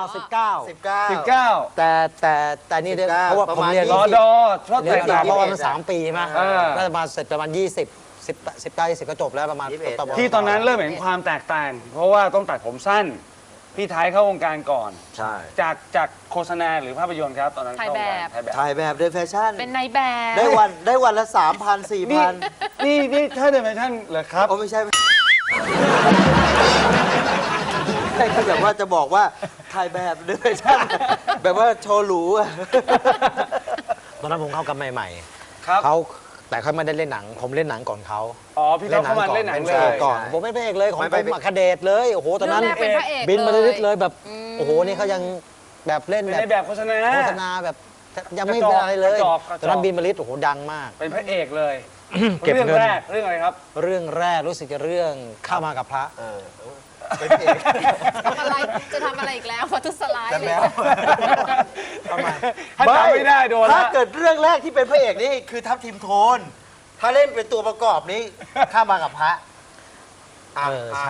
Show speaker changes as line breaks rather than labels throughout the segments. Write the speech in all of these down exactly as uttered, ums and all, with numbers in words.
เอาสิบเก้า
สิบเก้า
สิบเก้า
แต่แต่แต่นี่เนี่ยเพราะว่าผมเรียน
รอดอชอบ
เรีย
แต่
น
ง
ต่อเพราะว่า
ง
มันสามปีใช่ไหม
เออ
ก็จะมาเสร็จประมาณยี่สิบสิบสิบเก้ายี่สิบก็จบแล้วประมาณ
ยี่สิบเอ็ด
ประมาณ
ที่ตอนนั้นเริ่มเห็นความแตกต่าง เพราะว่าต้องตัดผมสั้น พี่ไทยเข้าวงการก่อน
ใช่
จากจากโฆษณาหรือภาพยนตร์ครับตอนนั้น
ถ่ายแบบ
เข้วงกรถ่ายแบบ
ถ่ายแบบเดินแฟชั่น
เป็นนายแบบ
ได้วันได้วันละสามพันสี่
นี่
พัน
นี่นี่ถ้าเดินไปท่านเหรอครับ
โอ้ไม่ใช่คือแบบว่าจะบอกว่าถ่ายแบบเดินแฟชั่นแบบว่าโชว์หรูอะ
ตอนนั้นผมเข้ากันใหม่
ครับ
ๆเขาแต่เขาไม่ได้เล่นหนัง ผมเล่นหนังก่อนเขา
อ๋อพี่ต้องเข้ามาเล่นหนังเล
ป็พระ
ย
อกก่อน
ใช่
ผมเป็นพระเอกเลยของ
ไม่
ผ
ไป
มอะคาเดตเลยโอ้โหตอนนั้น
เรื่องแรกเป็นพระเอก
บินมาลิด
เล
เลย ยแบบโอ้โหนี่เขายังแบบเล่น
เป็น
แบ
ใน
บ
แบบโฆษณา
โฆษณาแบบยังไม่
กระจอก
เป็นอะไรเลย
กระจอกกระจอก
ตอนนั้นบินมาลิดโอ้โหดังมาก
เป็นพระเอกเลย
เก็บ
เรื่อง
เงิน
แรกเรื่องอะไรครับ
เรื่องแรกรู้สึกจะเรื่องข้ามากับพระ
เออเป็นเอก
ทำอะไรจะทำอะไรอีกแล้ววัตถุสลาย
แต่
เลย
แล้ว
ทำไม
ถ้าจำไม่ได้โดน
ถ้า
ละ
เกิดเรื่องแรกที่เป็นพระเอกนี่คือทัพทีมโทน ถ้าเล่นเป็นตัวประกอบนี้ข้ามากับพระ
เออใช่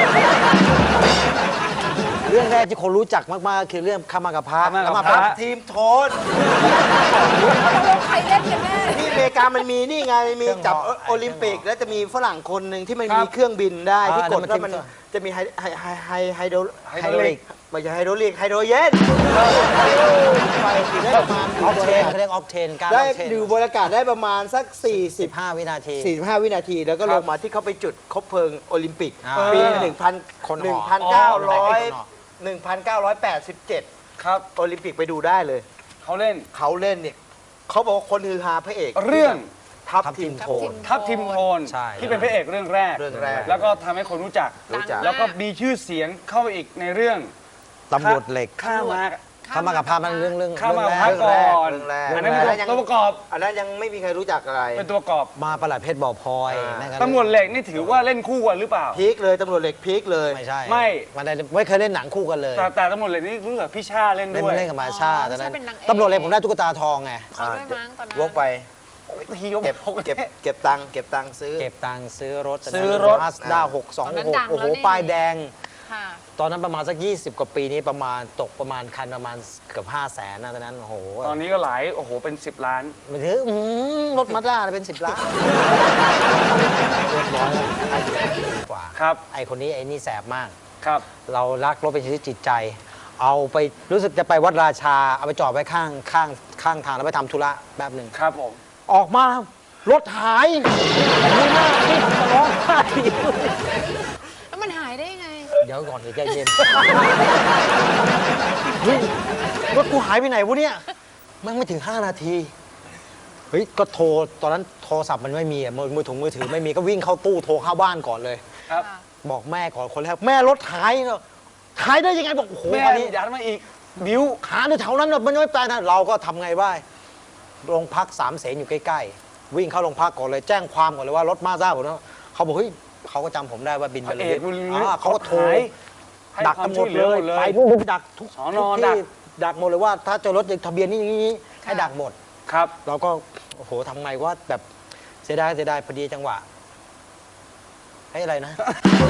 เรื่องแรกที่คนรู้จักมากๆคือเรื่องข้ามากับพระ
ข้ามากับ
ข้
พระ
ทีมโทน
ใครเล่นกันแน่
ที่อเมริกามันมีนี่ไงมีจับโอลิมปิก แล้วจะมีฝรั่งคนหนึ่งที่มันมีเครื่องบินได้ที่กดแล้วมันจะมีไฮไฮไฮไฮไฮโดร
ไฮโดรลิก
ไม่ใช่ไฮโดรลิกไฮโดรเจนไปถึงได้ประมาณ
ออฟเทนเขาเรียกออฟเทนการอ
ได้
อฟเทน
ดูบรรยากาศได้ประมาณสัก
สิบ
40
ห้าวินาที
45 วินาที แล้วก็ลงมาที่เขาไปจุดคบเพลิงโอลิมปิก
อ่า
ปี
คนหอ
หนึ่งพันเก้าร้อยแปดสิบเจ็ด
ครับ
โอลิมปิกไปดูได้เลย
เขาเล่น
เขาเล่นเนี่ยเขาบอกว่าคนฮือฮาพระเอก
เรื่อง
ทัพทีมโทน
ทัพทิมโทน
ใช่
ที่เป็นพระเอกเรื่องแรก
เรื่องแรก
แล้วก็ทำให้คนรู้จัก
รู้จัก
แล้วก็มีชื่อเสียงเข้าไปอีกในเรื่อง
ตำรวจเหล็ก
ข้ามา
ข้ามากับพระมันเรื่องเรื่อง
ข้ามา
เรื่อง
พั
แร
ก
ก
ก่อน
เรื่องแรก
อันนั้นเป็น
เรื่องแรก
ตัวประกอบ
อันนั้นยังไม่มีใครรู้จักอะไร
เป็นตัวประกอบ
มาประหลัดเพชรบ่อพลอย
อ่า
นั่นก็
ตำรวจเหล็กนี่ถือว่าเล่นคู่กันหรือเปล่า
พีคเลยตำรวจเหล็กพีคเลย
ไม่ใช่
ไม่
มันได้ไม่เคยเล่นหนังคู่กันเลย
แต่แต่ตำรวจเหล็กนี่รู้สึกพี่ชาเล่น
เล่น
ด้วย
เล่นกับมาชาตอนนั้น
ใช่เป็นนางเอก
ตำรวจเหล็กผมได้ตุ๊กตาทองไง
เขาด้วยมั้งตอนนั้น
วกไป
ทีก็
เก็บเก็บเก็บตังค์เก็บตังค์ซื้อ
เก็บตังค์ซื้อรถ
ซื้อรถ
มาสด้าหกสองหกโอ้โหป้ายแดง
ค่ะ
ตอนนั้นประมาณสักยี่สิบกว่าปีนี้ประมาณตกประมาณคันประมาณเกือบห้าแสนนะตอนนั้นโอ้โห
ตอนนี้ก็หลายโอ้โหเป็นสิบล้าน
มันถืออื้อหือรถมาสด้าเป็นสิบล้านเรียบร้อยแล้วไอ้กว่า
ครับ
ไอ้คนนี้ไอ้นี่แสบมาก
ครับ
เรารักรถเป็นชีวิตจิตใจ เอาไปรู้สึกจะไปวัดราชา เอาไปจอดไว้ข้างข้างข้างทางแล้วไปทำธุระแป๊บหนึ่ง
ครับผม
ออกมารถหายดูหน้าที่จะร้องไห้
แล้วมันหายได้ยังไง
เดี๋ยวก่อนเดี๋ยวใจเย็นเฮ้ยรถกูหายไปไหนวะเนี่ยมันไม่ถึง ห้า นาทีเฮ้ยก็โทรตอนนั้นโทรศัพท์มันไม่มีอะมือมือถุงมือถือไม่มีก็วิ่งเข้าตู้โทรเข้าบ้านก่อนเลย
ครับ
บอกแม่ก่อนคนแรกแม่รถหายเนอะหายได้ยังไงบอกโอ้โห
แม่
อันนี้
ยัดมาอีกบิ้ว
หาในแถวนั้นน่ะมันไม่ไปนะเราก็ทำไงบ้างโรงพักสามเสนอยู่ใกล้ๆวิ่งเข้าโรงพักก่อนเลยแจ้งความก่อนเลยว่ารถมาซ่าผมนะเขาบอกเฮ้ยเขาก็จำผมได้ว่าบินไป
พระ
เล
เอย กบุญ
อ่าเขาก็โทร
หายให้
ดัก
ควา
กั
ม
นหม
ช่ว
ด
ยเหลื
เล
อย หมดเลย
ไปนู่นดักทุก
สอนอ
ทุก
ดัก
ที่ดักหมดเลยว่าถ้าเจอรถทะเบียนนี้นี้ให้ดักหมด
ครับ
เราก็โอ้โหทำไงว่าแบบเสียดายเสียดายพอดีจังหวะให้อะไรนะ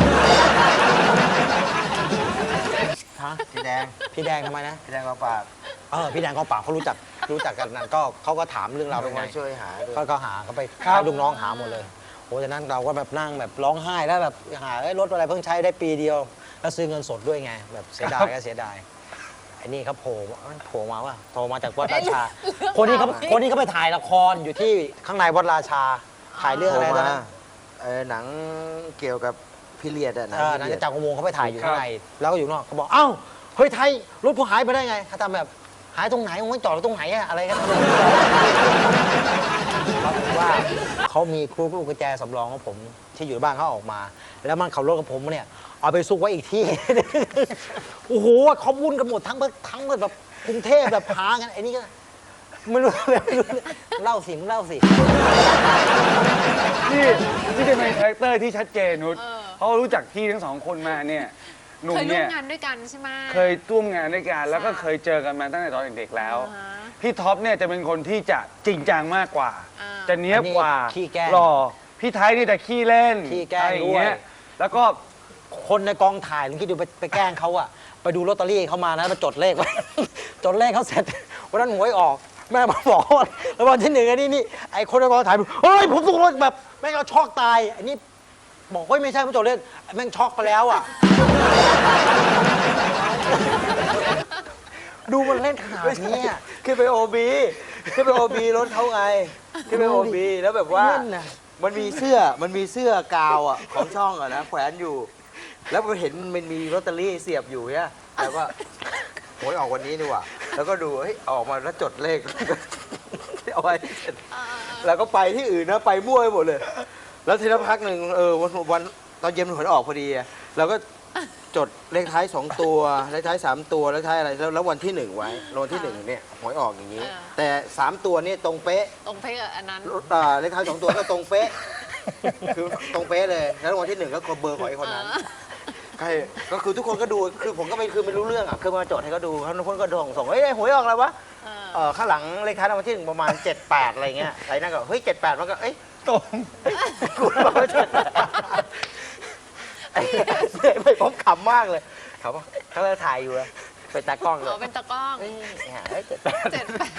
ฮะ
สีแดง
พี่แดงทำไมนะ
สีแดงกองปราบ
เออพี่แดงกองปราบเขารู้จักรู้จักกันนั่นก็เขาก็ถามเรื่องเราวเป็นไง
มาช่วยหาด้วย
ก็ก็หาเขาไป
ครับ
ให้ลูกน้องหาหมดเลยโอ้จากนั้นเราก็แบบนั่งแบบร้องไห้แล้วแบบหาเอ้ยรถอะไรเพิ่งใช้ได้ปีเดียว แล้วซื้อเงินสดด้วยไง แบบเสียดายก็เสียดายไอ้นี่เขาโผล่โผล่มาว่าโทรมาจากวัดราชา คนนี้เขาคนนี้เขาไปถ่ายละครอยู่ที่ข้างในวัดราชาถ่ายเรื่องอะไรตอนนั้น
เออหนังเกี่ยวกับพิเรียดอะหนัง
เออ
พิ
นั่น
เรีย
จะ
ด
จากอุโมงค์เขาไปถ่ายอยู่ข้างในแล้วก็อยู่นอกเขาบอกเอ้าเฮ้ยไทยรถกูหายไปได้ไงเขาทำแบบหายตรงไหนมึงไม่จอดตรงไหนอะอะไรกันเขาบอกว่าเขามีครูลูกกุญแจสำรองของผมที่อยู่บ้านเขาออกมา แล้วมันขับรถกับผมเนี่ยเอาไปซุกไว้อีกที่ โอ้โหเขาวุ่นกันหมดทั้งทั้งแบบกรุงเทพแบบหากันไอ้นี่ก็ไม่รู้เลยไม่รู้เลยเล่าสิมึงเล่าสิ
นี่นี่จะเป็นคาแรคเตอร์ที่ชัดเจนนุช
เออ
เพราะรู้จักพี่ทั้งสองคนมาเนี่ยหนุ่ม
เคยร่ว
เนี่
ม
ย
งานด้วยกันใช่ไหม
เคยร่วมงานด้วยกันแล้วก็เคยเจอกันมาตั้งแต่ตอนเด็กๆแล้ว
อ่าฮะ
พี่ท็อปเนี่ยจะเป็นคนที่จะจริงจังมากกว่า
อ่า
จะเนี้ยบกว่า
อันนี้ขี้แกล้ง
หล่อพี่ไทยนี่แต่ขี้เล่น
ขี้แกล้ง
อะไรอย่างเงี้
ด้วย
แล้วก็
คนในกองถ่ายลุงคิดดูไปไปแกล้งเขาอะไปดูลอตเตอรี่เขามานะมาจดเลขไว้ จดเลขเขาเสร็จวันนั้นหวยออก แม่มาบอกว่าแล้ววันที่หนึ่งไอ้นี่นี่ไอ้คนในกองถ่ายเฮ้ยผมถูกรถแบบแม่งเอาช็อกตายไอ้นี่บอกเฮ้ยไม่ใช่ผมจดเลขแม่งช็อกไปแล้วอ่ะ ดูมันเล่นขนาดนี้อะ
ขึ้นไปโอบีขึ้นไปโอบีรถเขาไงขึ้นไปโอบีแล้วแบบว่า
เล่นน่ะ
มันมีเสื้อมันมีเสื้อกาวอ่ะของช่องอ่ะนะแขวนอยู่ แล้วมันเห็นมันมีลอตเตอรี่เสียบอยู่เนี่ยแล้วก็หวยออกวันนี้ดีกว่าแล้วก็ดูเฮ้ยออกมาแล้วจดเลข เอาไว้เสร็จแล้วก็ไปที่อื่นนะไปมั่วไปหมดเลย แล้วทีละพักหนึ่งเออวันวันตอนเย็นหวยออกพอดีอะเราก็จดเลขท้ายสองตัวเลขท้ายสามตัวเลขท้ายอะไรแล้วแล้ววันที่หนึ่งไว้แล้ววันที่หนึ่งเนี่ยหวยออกอย่างนี้ แต่สามตัวนี่ตรงเป๊ะ
ตรงเพลงอันนั้น
อ่าเลขท้ายสองตัวก็ตรงเป๊ะ คือตรงเป๊ะเลย แล้ววันที่หนึ่งก็เบอร์ของไอ้คนนั้นใช่ก็คือทุกคนก็ดู คือผมก็ไม่คือไม่รู้เรื่องอ่ะ คือมาจดให้เขาดูเขาทุกคนก็ส่งส่งเฮ้ยหวยออกแล้ววะ
เออ
เออข้างหลังเลขท้ายรางวัลที่หนึ่งประมาณเจ็ดแปดอะไรเงี้ยไอ้นั่นก็เฮ้ยเจ็ดแปดมันก็เอ้ย
ตรง
กูบอกว่าเจ็ดแปดไอ้ไม่ผมขำมากเลยขำว่าเขาเลยถ่ายอยู่เลยเป็นตากล้องเล
อ๋อย เป็นตะกล้อง
เอ้ยเฮ้ยเจ็ดแปด
เจ็ดแปด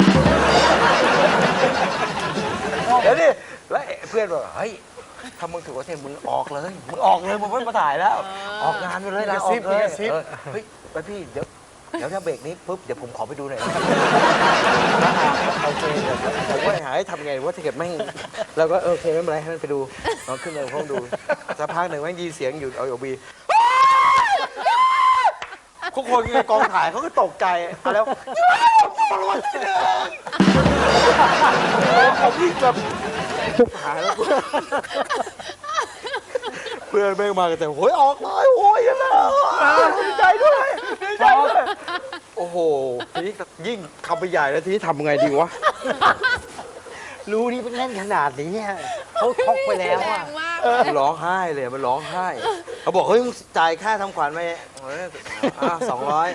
เดี๋ยวดิแล้วเพื่อนบอกเฮ้ยถ้ามึงถือว่าเทมึงออกเลยมึงออกเลยมึงไม่มาถ่ายแล้ว ออกงานไปเลยลาออกเลยเออเฮ้ยไปพี่เดี๋ยวเดี๋ยวถ้าเบรกนี้ปุ๊บเดี๋ยวผมขอไปดูหน่อยนะโอเคเดี๋ยวผมว่าหาให้ทำไงว่าถ้าเกิดแม่งเราก็โอเคไม่เป็นไรให้มันไปดูลองขึ้นมาห้องดูสักพักหนึ่งแม่งยินเสียงอยู่เอาโอบีทุกคนในกองถ่ายเขาก็ตกใจเอาแล้วรางวัลที่หนึ่งผมยิ่งแบบหายแล้วเพื่อนแม่งมากันแต่โอ้ยออกเลยโอ้ยยังไงดีใจด้วยดีใจด้วยโอ้โหทีนี้ยิ่งทำไปใหญ่แล้วทีนี้ทำไงดีวะ
รู้นี่เป็นเล่นขนาดนี้อะเขาช็อกไปแล้ว
แร
อ่ะ
งมาก
มันร้องไห้เลยมันร้องไห้เขาบอกเฮ้ยมึงจ่ายค่าทำขวัญไหมสองร้อย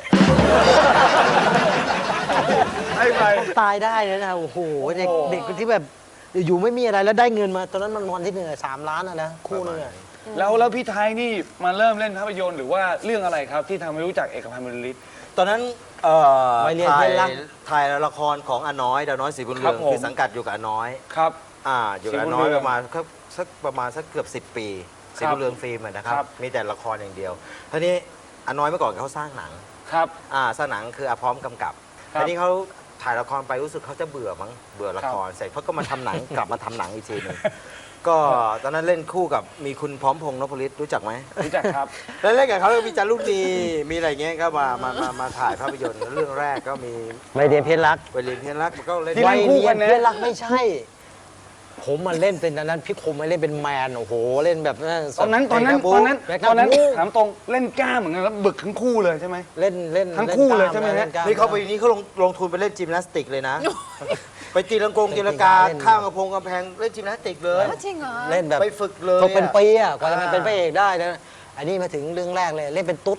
ให้ไป
ตายได้เลยนะโอ้โหเด็กเด็กที่แบบอยู่ไม่มีอะไรแล้วได้เงินมาตอนนั้นมันวันที่หนึ่งอะสามล้านอะนะคู่นึงอะ
แล้วแล้วพี่ไทยนี่มาเริ่มเล่นภาพยนตร์หรือว่าเรื่องอะไรครับที่ทำให้รู้จักเอกพันธ์บรรลือฤทธิ์
ตอนนั้นเอ่อ
วัยเรียน
ถ่าย
เพื่อนรัก
ถ่ายละครของอาน้อยดาวน้อยศรีบุญ
ค
เรื
รั
อบ ง
ผม
คือสังกัดอยู่กับอาน้อย
ครับ
อ่าอยู่กับอาน้อยประมาณสักสักประมาณสักเกือบสิบปีศรีบุญเรืองฟิล์มอะนะครับ
ครับ
มีแต่ละครอย่างเดียวทีนี้อาน้อยเมื่อก่อนเขาสร้างหนัง
ครับ
อ่าสร้างหนังคืออาพร้อมกำกับ
ครับ
ทีนี้เขาถ่ายละครไปรู้สึกเขาจะเบื่อมั้งเบื่อละครเสร็จเขาก็มาทำหนัง กลับมาทำหนังอีกทีหนึงก็ตอนนั้นเล่นคู่กับมีคุณพร้อมพงษ์นพฤทธิ์รู้จักไหม
รู้จักครับ
แล้วเล่นกับเขาแล้วก็มีจารุณีมีอะไรเงี้ยก็มามามามาถ่ายภาพยนตร์เรื่องแรกก็มี
ไม่เรียนเพชรรัก
ไปเรียนเพียนรักก็เล่น
ที่
วั
เล่
ย
นคู่
เรี
กั
ยน
นนะ
เพชรรักไม่ใช่ ผมมาเล่นเป็นอันนั้นพี่คมมาเล่นเป็นแมนโอ้โหเล่นแบบนั้น
ตอนนั้นตอนนั้น
แบกกระบู
ตอนนั้น
แบกกระบู
ตอนนั้นถามตรงเล่นกล้ามเหมือนกันแล้วบึกทั้งคู่เลยใช่ไหม
เล่นเล่น
ทั้งคู่เลย
นกา
ใช่ไหมฮะ
ล่กล้
นี่เขาไปนี้เขาลงลงทุนไปเล่นจิมนาสติกเลยนะ ไปตีลังกงตีลังกา
เล่น
ข้างกระพงกำแพงเล่นจิมนาสติกเลย
จริงเหรอ
เล่นแบบ
ไปฝึกเลย
ฝึกเป็น
อะ
ปีอ่ะกว่าจะมา
อ่า
เป็นพระเอกได้นะอันนี้มาถึงเรื่องแรกเลยเล่นเป็นตุ๊ด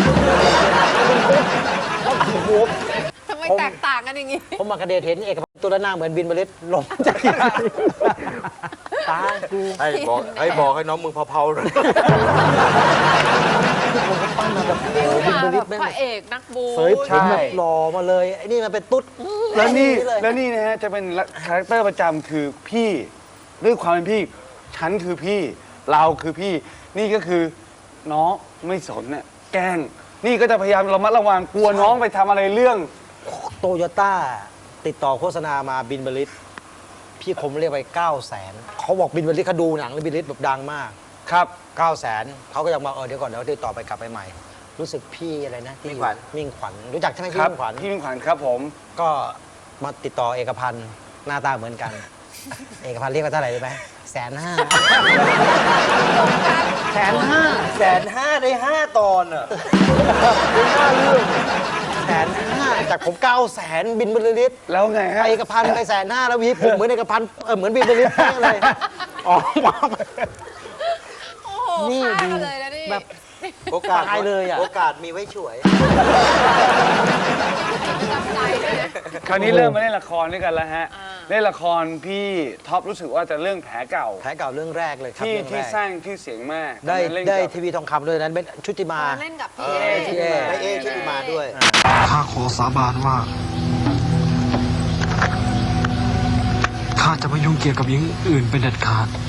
โอ้โห
ทำไมแตกต่างกันอย่างงี้
ผมมากระเดชเห็นเอกพันธ์ตัวหน้าเหมือนบินบริษลงจากตากู
ให้บอกให้บอกให้น้องมึงเผาๆเลย
ผมก็ปั้นมาแบบโอ้โหบิน
มา
บ
แบ
ริษ
บ
แม่ง
พระเอกนักบู
เสยผมแบบหล่อมาเลยไอ้นี่มันเป็นตุ๊ด
แล้วนี่
เลย
แล้วนี่นะฮะจะเป็นคาแรคเตอร์ประจำคือพี่ด้วยความเป็นพี่ฉันคือพี่เราคือพี่ นี่ก็คือน้องไม่สนน่ะแกล้งนี่ก็จะพยายามระมัดระวังกลัวน้องไปทำอะไรเรื่อง
โตโยต้าติดต่อโฆษณามาบินบริษพี่คมเรียกไปเก้าแสนเขาบอกบินบริษเขาดูหนังแล้วบินบริษแบบดังมาก
ครับ
เก้าแสนเขาก็ยังมาเออเดี๋ยวก่อนเดี๋ยวติดต่อไปกลับไปใหม่ รู้สึกพี่อะไรนะที่
มิ่งขวัญ
มิ่งขวัญรู้จักใช่ไหม
ค
พี่
รับ
มิ่งขวัญ
พี่มิ่งขวัญครับผม
ก็มาติดต่อเอกพันธ์หน้าตาเหมือนกัน เอกพันธ์เรียกว่าเท่าไหร่รู้ไหมแสนห้าแสนห้า
แสนห้าได้ห้าตอนอ่ะได้ห้าเรื่อง
แสนห้าจากผมเก้าแสนบินบริษ
แล้วไงฮะ
เอกพันธ์ไปแสนห้าแล้ววีผมเหมือนเอกพันธ์เออเหมือนบินบริษเลยอ๋อมา
โอ้โห
นี่
ฆ่า
ดู
กันเลยนะนี่
แบบ
โอกาส
ตายเลยอะ
โอกาสมีไว้ช่วย
จำใจด้วยนะ
คราวนี้เริ่มมาเล่นละครด้วยกันแล้วฮะ
อ่า
เล่นละครพี่ท็อปรู้สึกว่าจะเรื่องแผลเก่า
แผลเก่าเรื่องแรกเลยครับ
ที่
เรื่อง
ที่
แรก
สร้างชื่อเสียงมาก
ได้
ตอนนั้นเล่น
ได้
กับ
ทีวีทองคำด้วยนั้นเป็นชุติมา
เล่นกับ
เอ
พี่
อ
เอ
ไอเอชุติมาด้วย
ข้าขอสาบานว่า ข้าจะไม่ยุ่งเกี่ยวกับหญิงอื่นเป็นเด็ดขาด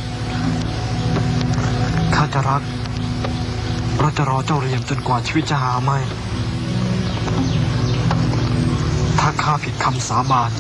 ข้าจะรักเราจะรอเจ้าเรียมจนกว่าชีวิตจะหาไม่ ถ้าข้าผิดคำสาบาน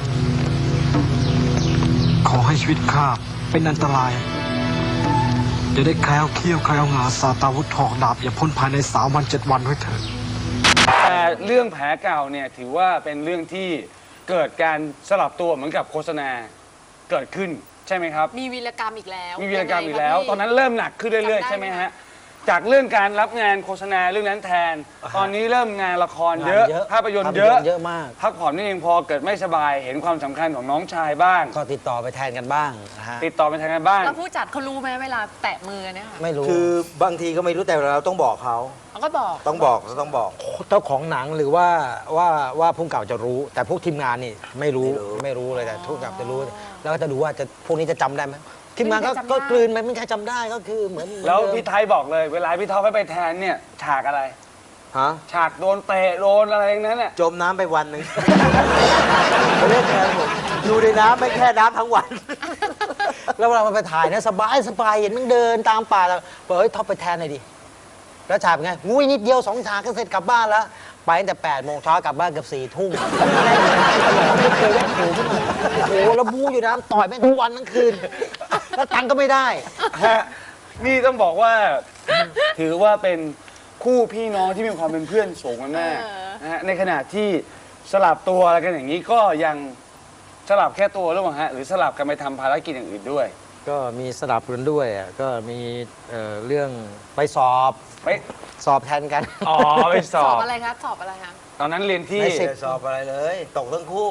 ขอให้ชีวิตข้าเป็นอันตรายอย่าได้แคล้วเขี้ยวแคล้วงาสาตาวุธถอกดาบอย่าพ้นภายในสามวันเจ็ดวันไว้เถิด
แต่เรื่องแผลเก่าเนี่ยถือว่าเป็นเรื่องที่เกิดการสลับตัวเหมือนกับโฆษณาเกิดขึ้นใช่ไหมครับ
มีวีรกรรมอีกแล้ว
มีวีรกรรมอีกแล้ว
ยังไงคะพี่
ตอนนั้นเริ่มหนักขึ้นเรื่อยๆ
จำได้
ใช่ไหม
ไหม
ฮะจากเรื่องการรับงานโฆษณาเรื่องนั้นแทน ตอนนี้เริ่มงานละครเยอะ
งานเยอะ
ภาพยนตร์เยอะ
ภาพยนตร์เยอะมาก
พักผ่อนนี่เองพอเกิดไม่สบายเห็นความสำคัญของน้องชายบ้าง
ก็ติดต่อไปแทนกันบ้างนะฮะ
ติดต่อไปทางการบ้าง
แล้วผู้จัดเขารู้ไหมเวลาแตะมือเนี่ยค่ะ
ไม่รู้
คือบางทีก็ไม่รู้แต่เราต้องบอกเขา
เขาก็บอก
ต้องบอกต้องบอก
เจ้าของหนังหรือว่าว่าว่าผู้กำกับจะรู้ แต่พวกทีมงานนี่ไม่รู้
ไม่รู้
ไม่รู้เลยแต่ผู้กำกับจะรู้ แล้วก็จะดูว่าจะพวกนี้จะจำได้ไหมทีมงานก็
ไม่มีใครจำได้
ก็กลืนไปไม่มีใครจำได้ก็คือเหมือนเหมือน
แล้ว
เดิม
พี่ไทยบอกเลย เวลาพี่ท็อปให้ไปแทนเนี่ยฉากอะไร
ฮะ
ฉากโดนเตะโดนอะไรอย่างนั้นน่ะ
จมน้ำไปวันหนึ่ง ไปเล่นแทนผมอยู่ในน้ำไม่แค่น้ำทั้งวัน
แล้วเวลามันไปถ่ายนะสบายสบายเห็นมันเดินตามป่าแล้วบอกเฮ้ยท็อปไปแทนหน่อยดิแล้วฉากเป็นไงงูยนิดเดียวสองฉากก็เสร็จกลับบ้านแล้วไปตั้งแต่แปดโมงเช้ากลับบ้านเกือบสี่ทุ่มไม่เคยแวะหูขึ้นมาโอ้โหแล้วบู๊อยู่นะต่อยแม่งทั้งวันทั้งคืน แล้วตังค์ก็ไม่ได้
ฮะนี่ต้องบอกว่า ถือว่าเป็นคู่พี่น้องที่มีความเป็นเพื่อนสูงกันมาก
เออ
นะฮะในขณะที่สลับตัวอะไรกันอย่างนี้ก็ยังสลับแค่ตัวหรือเปล่าฮะหรือสลับกันไปทำภารกิจอย่างอื่นด้วย
ก็มีสลับกันด้วยอ่ะก็มีเอ่อเรื่องไปสอบ
ไป
สอบแทนกัน
อ๋อไปส
ส
อ
อ
บบ
อะไรคะสอบอะไรคะ
ตอนนั้นเรียนที่
ในสิบ
ไม่ได้สอบอะไรเลย ตกทั้งคู่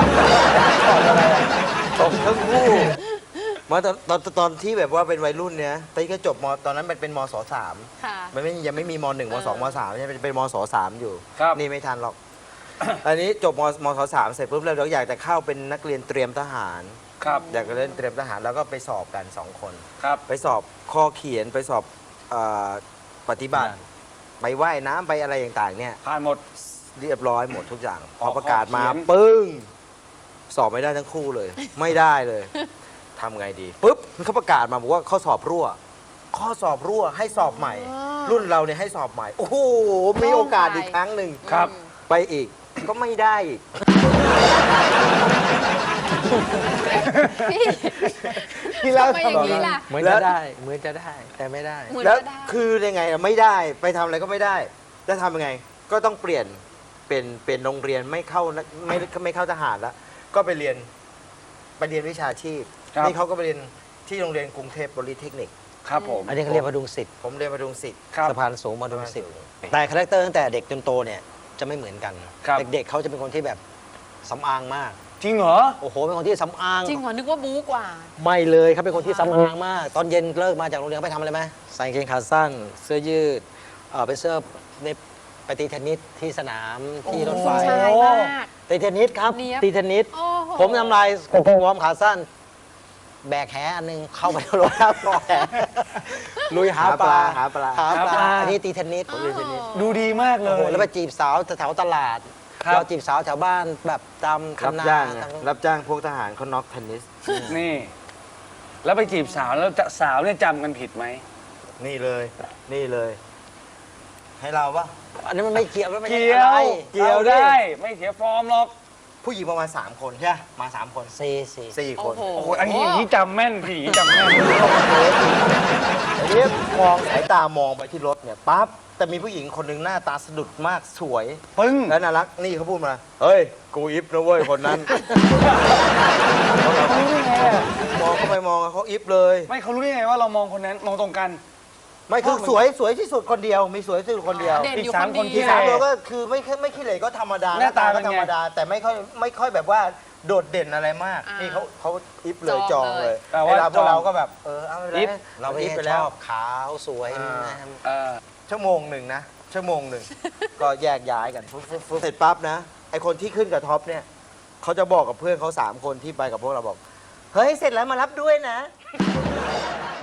ตกทั้งคู่มาตอนตอนตอนที่แบบว่าเป็นวัยรุ่นเนี่ยตอนที่ก็จบมตอนนั้นมันเป็นมศสาม
ค่ะ
มันไม่ยังไม่มีมหนึ่งมสองมสามใช่ไหมเป็นมศสามอยู่
ครับ
นี่ไม่ทันหรอก อันนี้จบมมศสามเสร็จปุ๊บแล้วเราอยากจะเข้าเป็นนักเรียนเตรียมทหาร
ครับ
อยากจะเล่นเตรียมทหารแล้วก็ไปสอบกันสองคน
ครับ
ไปสอบข้อเขียนไปสอบเออปฏิบัติ ไปว่ายน้ำไปอะไรต่างๆเนี่ย
ผ่านหมด
เรียบร้อยหมดทุกอย่าง พ
อ
อ
อก
ประกาศมา
ข้อเขียน
ปึ้ง สอบไม่ได้ทั้งคู่เลย ไม่ได้เลยทำไงดีปุ๊บเขาประกาศมาบอกว่าข้อสอบรั่ว ข้อสอบรั่วให้สอบใหม่
อ๋อ
รุ่นเราเนี่ยให้สอบใหม่ โอ้โหมีโอกาสอีกครั้งหนึ่ง
ครับ
ไปอีกก็ไม่ได้อีก
พี่
พี่เล่า
ทำไมอย่างนี้ล่ะ
เหมือน
แล้
จะ
ว
ได้เหมือนจะได้แต่ไม่ได้
เหมือน
แล้ว
จะได้
คือยังไงอะไม่ได้ไปทำอะไรก็ไม่ได้จะทำยังไง ก็ต้องเปลี่ยนเป็นเป็นโรงเรียนไม่เข้านักไม่ไม่เข้าทหารแล้ว ก็ไปเรียนไปเรียนวิชาชีพ
ครับ
นี่เขาก็ไปเรียนที่โรงเรียนกรุงเทพบริเทคนิค
ครับผม
อันนี้เขาเรียกว่าดุงสิทธิ์
ผมเรียนมาดุงศิษย์
ครับ
สะพานสูงมาดุงสิทธิ์แต่คาแรคเตอร์ตั้งแต่เด็กจนโตเนี่ยจะไม่เหมือนกัน
ครับ
เด็กๆเขาจะเป็นคนที่แบบสำอางมาก
จริงเหรอ
โอ้โหเป็นคนที่สำอาง
จริงเหรอนึกว่าบู๊กว่า
ไม่เลยเขาเป็นคนที่สำอางมาก ตอนเย็นเลิกมาจากโรงเรียนไปทำอะไรไหมใส่กางเกงขาสั้น เสื้อยืดเออไปเสื้อในไปตีเทนนิสที่สนามที่รถไฟ
ผู้ชายมาก
ตีเทนนิสครับ
เนี๊ยบ
ตีเทนนิส
โอ้โห
ผมทำลายกางเกงวอร์มขาสั้น แบกแหอันหนึงเข้าไปในรถแล้วปล่อยแหลุยหาปลา
หาปลา
หาป
หาป
ลา
ลา
อันนี้ตีเทนนิส
ผมเรียนเทนนิส
ดูดีมากเล
โอ้โห
ย
แล้วไปจีบสาวแถวๆตลาด
ครับ
เราจีบสาวแถวบ้านแบบตาม
รับ
คำนา
จ้าง
ตาม
รับจ้างพวกทหารเขาน็อกเทนนิส
นี่ แล้วไปจีบสาวแล้วจะสาวเนี่ยจำกันผิดไหม
นี่เลย นี่เลย ให้เราปะ
อันนี้มันไม่เกี่ยวแล้วไม่ใช่
เกี่ย
อะไร
ว
เกี่ยวดิ
อาได้ ไม่เสียฟอร์มหรอก
ผู้หญิงประมาณสามคนใช่ไหมมาสามคน
สี่สี่
สี่ค
โอ้
น
โห
โอ้โหอันนี้อย่างนี้จำแม่นพี่อย่างนี้จำแม่น
อันนี้มองสายตามองไปที่รถเนี่ยปั๊บแต่มีผู้หญิงคนหนึ่งหน้าตาสะดุดมากสวย
ปึ้ง
และน่ารักนี่เขาพูดมา เฮ้ย กูอิฟนะเว้ยคนนั้น มองเข้าไปมองเขาอิฟเลย
ไม่เขารู้ได้ไงว่าเรามองคนนั้นมองตรงกัน
ไม่คือสวยสวยที่สุดคนเดียว มีสวยที่สุดคนเดียว
เด่นอยู่
อีกสาม
คน
คน
เดี
ที่
ที่
ยว
สามตัวก็คือไม่ค่อยไม่ขี้เหร่ก็ธรรมดา
หน้าตา
ก็
เป็นไง
ธรรมดา แต่ไม่ค่อยไม่ค่อยแบบว่าโดดเด่นอะไรมาก
อ่านี่
นี่เขาเขาอิฟเลย
จ
จ
อ
อง ง
เล
เลย ย
แต่ว่า
เวลาพวก
จอง
เราก็แบบเออเอาไปเลย
อิฟ
เราไม่
อิฟ
ได้
ไป
ช
แล้ว
อบขาวสวย
อ่า
นะครับ
เออ
ชั่วโมงหนึ่งนะ ชั่วโมงหนึ่ง ก็แยกย้ายกันฟึ๊บฟึ๊บฟึ๊บเสร็จปั๊บนะ ไอคนที่ขึ้นกับท็อปเนี่ยเขาจะบอกกับเพื่อนเขาสามคนที่ไปกับพวกเราบอก เฮ้ย เสร็จแล้วมารับด้วยนะ